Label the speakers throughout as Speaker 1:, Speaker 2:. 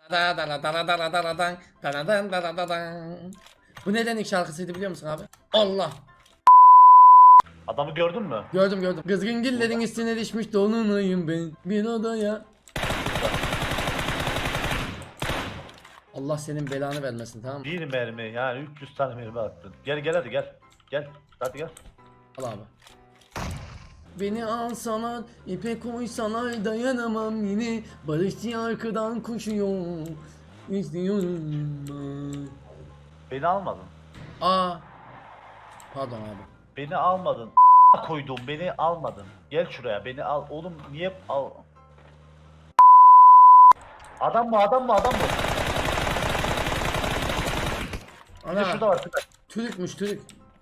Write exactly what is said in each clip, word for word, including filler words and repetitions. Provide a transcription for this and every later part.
Speaker 1: Bu neden ilk şarkısıydı biliyor musun abi? Allah.
Speaker 2: Adamı gördün mü?
Speaker 1: Gördüm gördüm. Kızgın gillerin üstüne düşmüş dolunayım ben bir odaya. Allah senin belanı vermesin, tamam mı?
Speaker 2: Bir mermi yani üç yüz tane mermi attın. Gel gel hadi gel. Gel. Hadi gel.
Speaker 1: Al abi. Beni alsalar, ipe koysalar dayanamam yine. Barışçı arkadan koşuyor. İzliyorum.
Speaker 2: Beni almadın.
Speaker 1: Aa. Pardon abi.
Speaker 2: Beni almadın. Koydum beni almadın. Gel şuraya beni al. Oğlum niye al? Adam mı adam mı adam mı? Bir de
Speaker 1: Ana.
Speaker 2: şurada var. Şurada.
Speaker 1: Türükmüş Türük.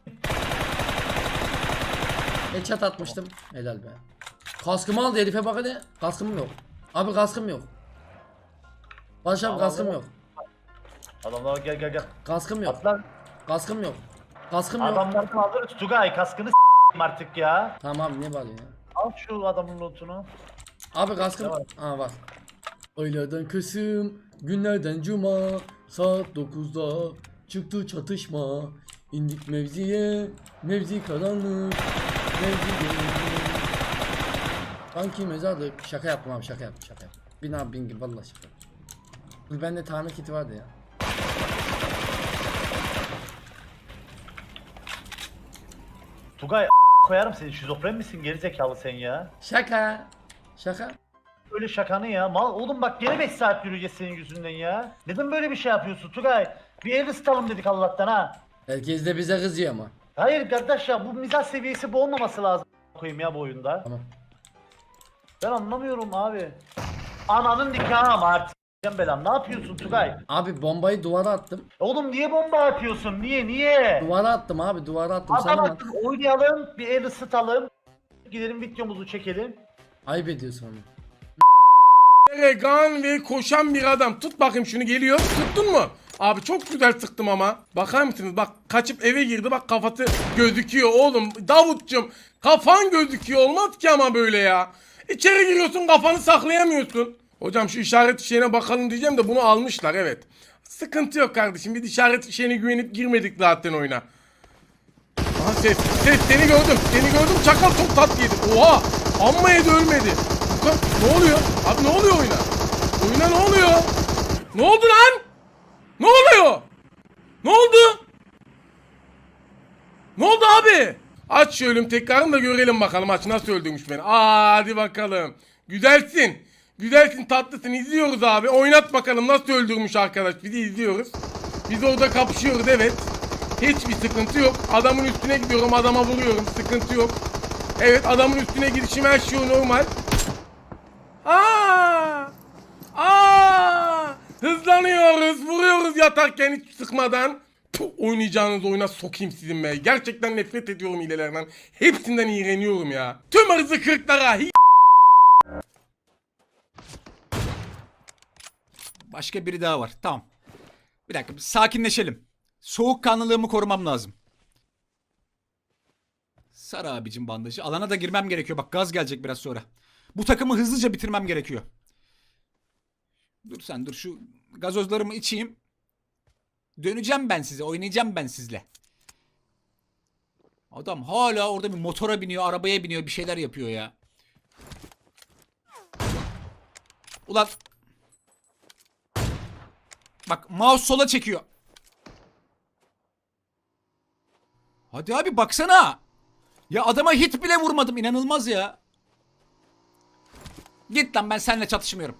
Speaker 1: Headshot atmıştım. Helal be. Kaskımı aldı herife bak hadi. Kaskım yok. Abi kaskım yok. Barış abi
Speaker 2: Tamam,
Speaker 1: kaskım
Speaker 2: tamam.
Speaker 1: yok.
Speaker 2: Adamlar gel gel gel.
Speaker 1: Kaskım yok.
Speaker 2: Atlan.
Speaker 1: Kaskım yok. Kaskım yok.
Speaker 2: Adamlardan alırız. Tugay kaskını s**eyim artık ya.
Speaker 1: Tamam abi niye bağırıyorsun ya?
Speaker 2: Al şu adamın lootunu.
Speaker 1: Abi kaskım.
Speaker 2: Ne var?
Speaker 1: Aa var. Aylardan Kasım, günlerden Cuma, saat dokuzda çıktı çatışma. İndik mevziye, mevzi karanlık, mevzi gönüllü. Sanki mezarlık. Şaka yaptım abi, şaka yaptım, şaka yaptım. Bin abi bin gibi vallahi şaka yaptım. Dur bende tamir kiti vardı ya.
Speaker 2: Tugay koyarım seni. Şizofren misin gerizekalı sen ya?
Speaker 1: Şaka. Şaka.
Speaker 2: Öyle şakanı ya. Mal oğlum bak geri beş saat yürüyeceğiz senin yüzünden ya. Neden böyle bir şey yapıyorsun Tugay? Bir el ısıtalım dedik Allah'tan ha.
Speaker 1: Herkes de bize kızıyor ama.
Speaker 2: Hayır kardeş ya bu mizah seviyesi bu olmaması lazım koyayım ya bu oyunda.
Speaker 1: Tamam.
Speaker 2: Ben anlamıyorum abi. Ananın nikahı ama artık. s**eceğim belam. Ne yapıyorsun Tugay?
Speaker 1: Abi bombayı duvara attım.
Speaker 2: Oğlum niye bomba atıyorsun? Niye niye?
Speaker 1: Duvara attım abi, duvara attım.
Speaker 2: Adam
Speaker 1: Sana
Speaker 2: attık oynayalım bir el ısıtalım. Gidelim videomuzu çekelim.
Speaker 1: ayıp ediyorsun onu.
Speaker 3: Regan ve koşan bir adam. Tut bakayım şunu, geliyor. Tuttun mu? Abi çok güzel sıktım ama. Bakar mısınız? Bak kaçıp eve girdi. Bak kafası gözüküyor oğlum. Davutcum kafan gözüküyor. Olmaz ki ama böyle ya. İçeri giriyorsun kafanı saklayamıyorsun. Hocam şu işaret fişeğine bakalım diyeceğim de bunu almışlar, evet. Sıkıntı yok kardeşim. Biz işaret fişeğine güvenip girmedik zaten oyuna. Aha ses. Ses seni gördüm. Seni gördüm. Çakal çok tat yedi. Oha. Amma yedi ölmedi. Ne oluyor? Abi ne oluyor oyuna? Oyuna ne oluyor? Ne oldu lan? Ne oluyor? Ne oldu? Ne oldu abi? Aç şu ölüm tekrarını da görelim bakalım aç nasıl öldürmüş beni. Aa, hadi bakalım. Güzelsin. Güzelsin, tatlısın. İzliyoruz abi. Oynat bakalım nasıl öldürmüş arkadaş. Bizi izliyoruz. Biz orada kapışıyoruz, evet. Hiçbir sıkıntı yok. Adamın üstüne gidiyorum, adama vuruyorum. Sıkıntı yok. Evet, adamın üstüne gidişim her şey normal. Aa! Aa! Hızlanıyoruz, vuruyoruz yatarken hiç sıkmadan. Puh, oynayacağınız oyuna sokayım sizin be. Gerçekten nefret ediyorum hilelerden. Hepsinden iğreniyorum ya. Tüm hırzı kırklara. Hi-
Speaker 4: Başka biri daha var. Tamam. Bir dakika, bir sakinleşelim. Soğukkanlılığımı korumam lazım. Sar abicim bandajı. Alana da girmem gerekiyor. Bak gaz gelecek biraz sonra. Bu takımı hızlıca bitirmem gerekiyor. Dur sen dur, şu gazozlarımı içeyim. Döneceğim ben size. Oynayacağım ben sizle. Adam hala orada bir motora biniyor, arabaya biniyor, bir şeyler yapıyor ya. Ulan. Bak mouse sola çekiyor. Hadi abi baksana. Ya adama hit bile vurmadım, inanılmaz ya. Git lan, ben seninle çatışmıyorum.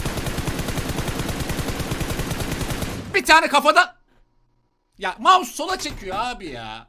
Speaker 4: Bir tane kafadan. Ya mouse sola çekiyor abi ya.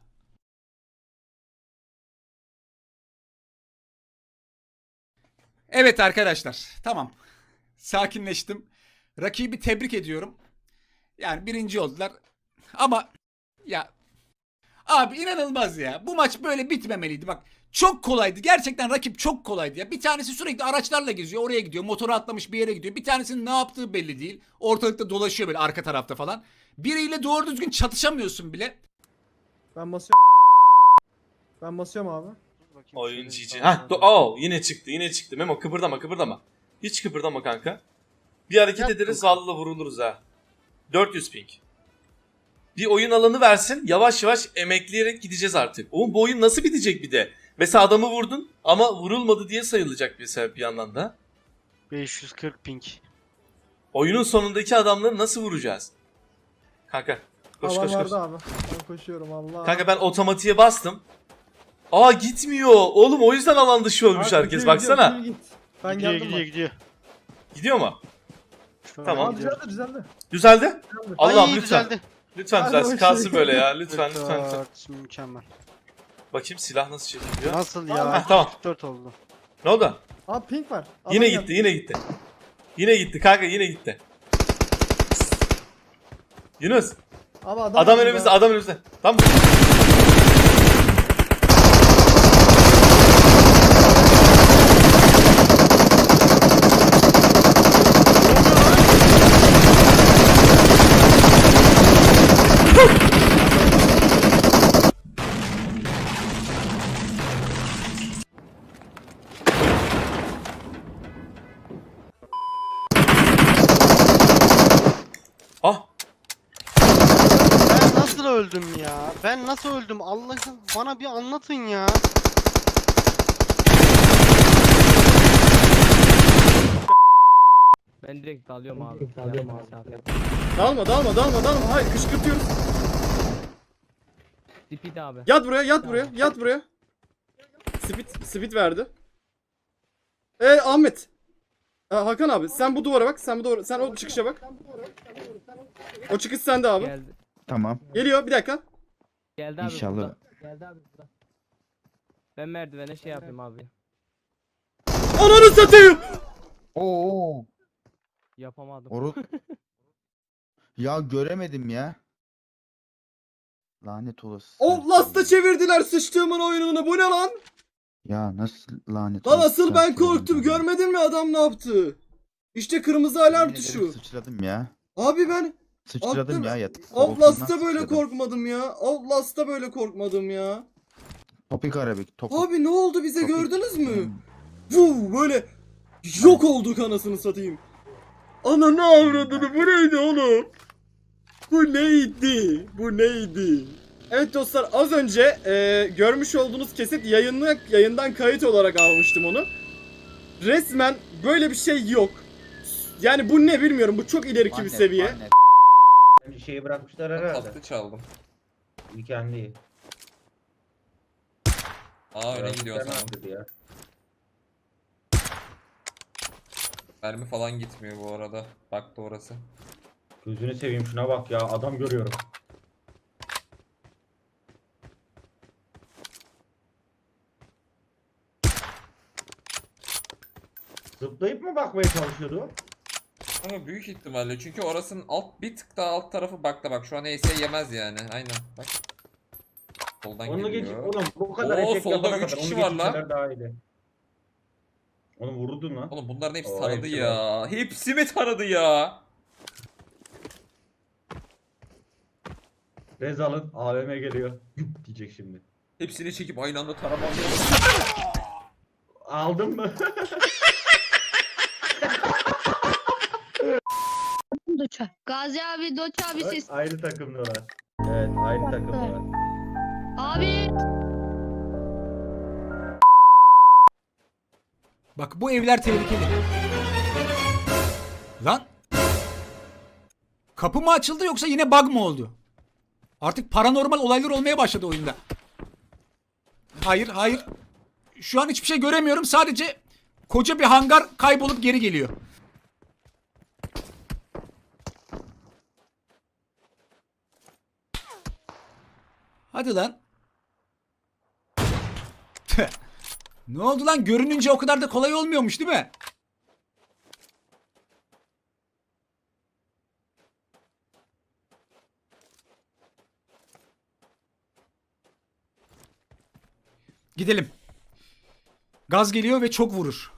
Speaker 4: Evet arkadaşlar, tamam. Sakinleştim. Rakibi tebrik ediyorum. Yani birinci oldular. Ama ya abi inanılmaz ya. Bu maç böyle bitmemeliydi. Bak çok kolaydı. Gerçekten rakip çok kolaydı ya. Bir tanesi sürekli araçlarla geziyor. Oraya gidiyor. Motoru atlamış bir yere gidiyor. Bir tanesinin ne yaptığı belli değil. Ortalıkta dolaşıyor böyle arka tarafta falan. Biriyle doğru düzgün çatışamıyorsun bile.
Speaker 5: Ben basıyorum. Ben basıyorum abi.
Speaker 6: Oyun G G. Heh, do- oh, yine çıktı, yine çıktı. Memo kıpırdama, kıpırdama. Hiç kıpırdama kanka. Bir hareket
Speaker 7: Yaptım
Speaker 6: ederiz
Speaker 7: kanka.
Speaker 6: vallahi vuruluruz ha. dört yüz ping. Bir oyun alanı versin. Yavaş yavaş emekleyerek gideceğiz artık. Oğlum bu oyun nasıl bitecek bir de? Mesela adamı vurdun ama vurulmadı diye sayılacak mesela bir yandan da.
Speaker 7: beş yüz kırk ping.
Speaker 6: Oyunun sonundaki adamları nasıl vuracağız? Kanka koş
Speaker 5: Alan
Speaker 6: koş koş.
Speaker 5: vardı abi. Ben koşuyorum Allah.
Speaker 6: Kanka ben otomatiğe bastım. Aa gitmiyor. Oğlum o yüzden alan dışı olmuş
Speaker 5: Abi,
Speaker 6: herkes
Speaker 5: gidiyor,
Speaker 6: baksana.
Speaker 5: gidiyor, git. Ben
Speaker 7: Gidiyor
Speaker 5: geldim
Speaker 7: gidiyor
Speaker 5: bak.
Speaker 7: gidiyor.
Speaker 6: Gidiyor mu?
Speaker 7: Şu an
Speaker 6: Tamam.
Speaker 5: Aa,
Speaker 7: gidiyor.
Speaker 5: düzeldi düzeldi.
Speaker 6: Düzeldi.
Speaker 5: düzeldi.
Speaker 6: Allah'ım
Speaker 7: Ay,
Speaker 6: lütfen.
Speaker 7: düzeldi.
Speaker 6: Lütfen
Speaker 5: Hadi
Speaker 6: düzelsin.
Speaker 5: bakayım.
Speaker 6: Kalsın böyle ya. Lütfen lütfen lütfen.
Speaker 7: dört, mükemmel.
Speaker 6: Bakayım silah nasıl çekiliyor.
Speaker 7: Nasıl
Speaker 5: Tamam.
Speaker 7: ya?
Speaker 6: Heh, tamam.
Speaker 7: kırk dört oldu.
Speaker 6: Ne oldu?
Speaker 5: Aa pink var. Adam
Speaker 6: Yine
Speaker 5: geldi.
Speaker 6: gitti yine gitti. Yine gitti kanka yine gitti. Yunus.
Speaker 5: Abi adam,
Speaker 6: Adam
Speaker 5: geldi
Speaker 6: önümüzde
Speaker 5: ya.
Speaker 6: adam önümüzde. Tamam. Ah.
Speaker 7: Ben nasıl öldüm ya? Ben nasıl öldüm? Allah'ım bana bir anlatın ya.
Speaker 8: Ben direkt dalıyorum abi. Dalıyorum abi.
Speaker 5: Dalma dalma dalma dalma. Hayır kışkırtıyoruz.
Speaker 8: Speed abi.
Speaker 5: Yat buraya yat buraya yat buraya. Speed, speed verdi. Ee Ahmet. Aa, Hakan abi sen bu duvara bak. Sen bu duvara sen o çıkışa bak. O çıkış sende abi.
Speaker 8: Geldi.
Speaker 9: Tamam.
Speaker 5: Geliyor bir dakika.
Speaker 8: Geldi abi.
Speaker 9: İnşallah.
Speaker 8: burada. Geldi abi burada. Ben merdivene şey yapayım abi.
Speaker 5: Ananı satayım.
Speaker 9: Oo.
Speaker 8: Yapamadım.
Speaker 9: Oru. Ya göremedim ya. Lanet olası.
Speaker 5: O lasta çevirdiler sıçtığımın oyununu. Bu ne lan?
Speaker 9: Ya nasıl lanet
Speaker 5: Lan
Speaker 9: olası
Speaker 5: asıl ben
Speaker 9: çarptı
Speaker 5: korktum.
Speaker 9: ben.
Speaker 5: Görmedin mi adam ne yaptı? İşte kırmızı alarm
Speaker 9: Yemin ederim
Speaker 5: tuşu.
Speaker 9: Sıçradım ya.
Speaker 5: Abi ben
Speaker 9: Sıçradım
Speaker 5: Aklım-
Speaker 9: ya yat.
Speaker 5: Outlast'ta
Speaker 9: koltuğumdan
Speaker 5: böyle
Speaker 9: sıçradım.
Speaker 5: korkmadım ya. Outlast'ta böyle korkmadım ya.
Speaker 9: Topik arabik. Topik.
Speaker 5: Abi ne oldu bize
Speaker 9: Topik.
Speaker 5: gördünüz mü?
Speaker 9: Hmm.
Speaker 5: Vuh böyle yok olduk anasını satayım. Ana ne avradını bu neydi oğlum? Bu neydi? Bu neydi? Evet dostlar az önce e, görmüş olduğunuz kesit yayınlı, yayından kayıt olarak almıştım onu. Resmen böyle bir şey yok. Yani bu ne bilmiyorum, bu çok ileriki bir
Speaker 9: Lanet,
Speaker 5: seviye.
Speaker 9: lanet.
Speaker 2: Bir şeyi bırakmışlar herhalde.
Speaker 10: Tatlı çaldım.
Speaker 2: Kendi.
Speaker 10: Aa öne gidiyor o zaman.
Speaker 2: Ya.
Speaker 10: Mermi falan gitmiyor bu arada. Baktı orası.
Speaker 2: Gözünü seveyim şuna bak ya adam görüyorum. Zıplayıp mı bakmaya çalışıyordu?
Speaker 10: Ama büyük ihtimalle çünkü orasının alt bir tık daha alt tarafı bakta bak şu an E S yemez yani. Aynen bak. Soldan
Speaker 2: Onu geç
Speaker 10: geliyor.
Speaker 2: oğlum bu kadar
Speaker 10: Oo,
Speaker 2: eşek
Speaker 10: solda
Speaker 2: yapana
Speaker 10: üç
Speaker 2: kadar
Speaker 10: kişi
Speaker 2: onu
Speaker 10: var lan.
Speaker 2: geçirseler daha iyiydi. Onu vurdun lan.
Speaker 10: Oğlum bunların hepsi
Speaker 2: Oo,
Speaker 10: taradı
Speaker 2: hepsi
Speaker 10: ya. Hepsi mi taradı ya?
Speaker 2: Rezal'ın A V M geliyor. Güp diyecek şimdi.
Speaker 10: Hepsini çekip aynı anda taramam.
Speaker 2: Aldın mı?
Speaker 11: Doça. Gazi abi, Doça abi
Speaker 2: Bak,
Speaker 11: siz.
Speaker 2: aynı takımdalar. Evet aynı takımdalar.
Speaker 11: Abi.
Speaker 4: Bak bu evler tehlikeli. Lan. Kapı mı açıldı yoksa yine bug mı oldu? Artık paranormal olaylar olmaya başladı oyunda. Hayır hayır. Şu an hiçbir şey göremiyorum. Sadece koca bir hangar kaybolup geri geliyor. Hadi lan. Ne oldu lan? Görününce o kadar da kolay olmuyormuş değil mi? Gidelim. Gaz geliyor ve çok vurur.